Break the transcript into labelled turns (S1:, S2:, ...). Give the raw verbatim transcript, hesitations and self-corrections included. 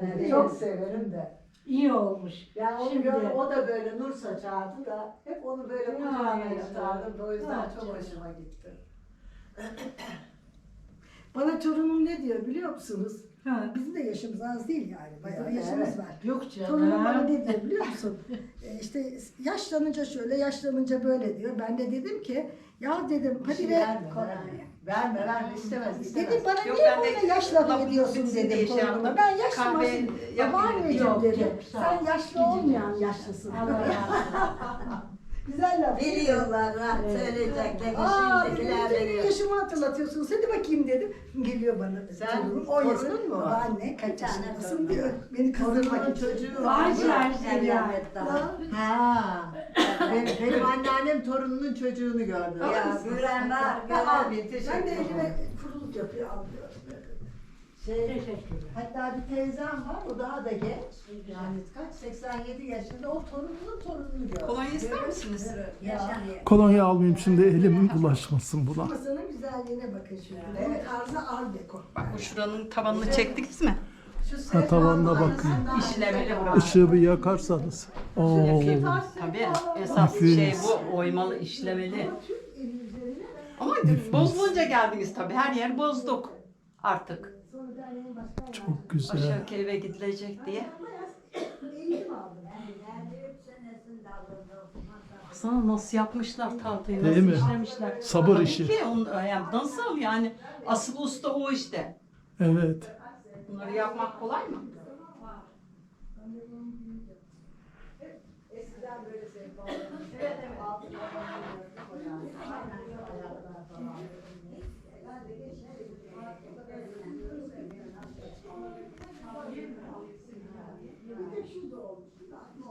S1: Evet.
S2: Çok severim de.
S1: İyi olmuş.
S2: Yani onu
S1: Şimdi-
S2: gör, o da böyle nur saçardı da hep onu böyle
S1: Ya,
S2: kucağına
S1: ya.
S2: yatardım da o yüzden
S1: Ya,
S2: çok
S1: canım.
S2: hoşuma gitti.
S3: Bana torunum ne diyor biliyor musunuz?
S1: Ha.
S3: Bizim de yaşımız az değil yani. Bayağı
S2: Bizim de,
S3: yaşımız
S2: evet.
S3: var.
S1: Yok canım.
S3: Torunum bana ne diyor biliyor musun? e işte yaşlanınca şöyle, yaşlanınca böyle diyor. Ben de dedim ki, ya dedim
S2: Bir
S3: hadi
S2: şey
S3: ver.
S2: verme, verme. Verme, verme, istemez, istemez.
S3: Dedim bana
S4: Yok,
S3: niye
S4: ben de
S3: böyle yaş lafı
S4: lafın
S3: ediyorsun
S4: bitsin diye
S3: dedim
S4: şey
S3: torunuma.
S4: yaptım.
S3: Ben yaşlı
S4: Kahve
S3: masum.
S4: yapayım
S3: Babaanneciğim
S1: Yok,
S3: dedi.
S1: çok sağ ol.
S3: Sen yaşlı olmayan yaşlısın.
S1: Allah razı olsun.
S3: Güzel laf.
S2: Biliyorlar ha,
S1: Evet.
S2: söyleyeceklerini
S3: Aa dedim,
S2: şimdikiler
S3: senin
S2: veriyor.
S3: yaşımı hatırlatıyorsun. Hadi bakayım dedim. Geliyor bana.
S2: Sen
S3: torunum,
S2: torunun
S3: yaşında.
S2: mu var?
S3: Babaanne kaç
S2: Bir tane
S3: yaşındasın
S2: torunum
S3: diyor.
S2: var.
S3: Beni kızdırmak
S2: Torunun
S3: için.
S2: çocuğu var.
S1: Var her şey ya.
S2: Ha. benim, benim anneannem torununun çocuğunu gördü.
S5: Ya gören var, gören.
S2: Abi
S3: Ben de
S2: teşekkür ederim.
S3: elime kuruluk yapıyor, alıyorum.
S2: Şey,
S1: Teşekkürler.
S2: hatta bir teyzem var, o daha da genç. Yani kaç, seksen yedi yaşında, o torununun torununu gördü.
S4: Kolonya ister misiniz?
S5: Yaşanıyor.
S6: Kolonya almayayım şimdi elimin bulaşmasın buna.
S3: Masanın güzelliğine bakın şimdi.
S2: Evet.
S3: Evet. Tarzı art deko.
S4: Bak bu şuranın tavanını çektiniz mi?
S2: Şu
S6: Ha, tavanına
S2: sehpanın
S6: bakın.
S2: arasından
S4: İşlemeli
S2: bir
S4: burası.
S6: Işığı bir yakarsanız. Oo.
S4: Yakayım. Tabii esas
S6: Nefis.
S4: şey bu, oymalı, işlemeli.
S3: Türk eli üzerine
S4: Ama
S6: Nefis.
S4: bozulunca geldiniz tabii, her yer bozduk artık.
S3: sonra derneğin başkan
S6: Çok güzel.
S4: Aşağı eve gidilecek diye.
S3: eğitim aldım.
S4: Baksana nasıl yapmışlar tahtayı,
S6: Değil
S4: nasıl
S6: mi?
S4: işlemişler.
S6: Sabır
S4: Tabii
S6: işi.
S4: ki on, yani nasıl yani asıl usta o işte.
S6: Evet.
S4: Bunları yapmak kolay mı?
S2: eskiden böyle sehpaların altına koyardı. Ayaklar falan. Ben de geçen bir de şurada olmuş.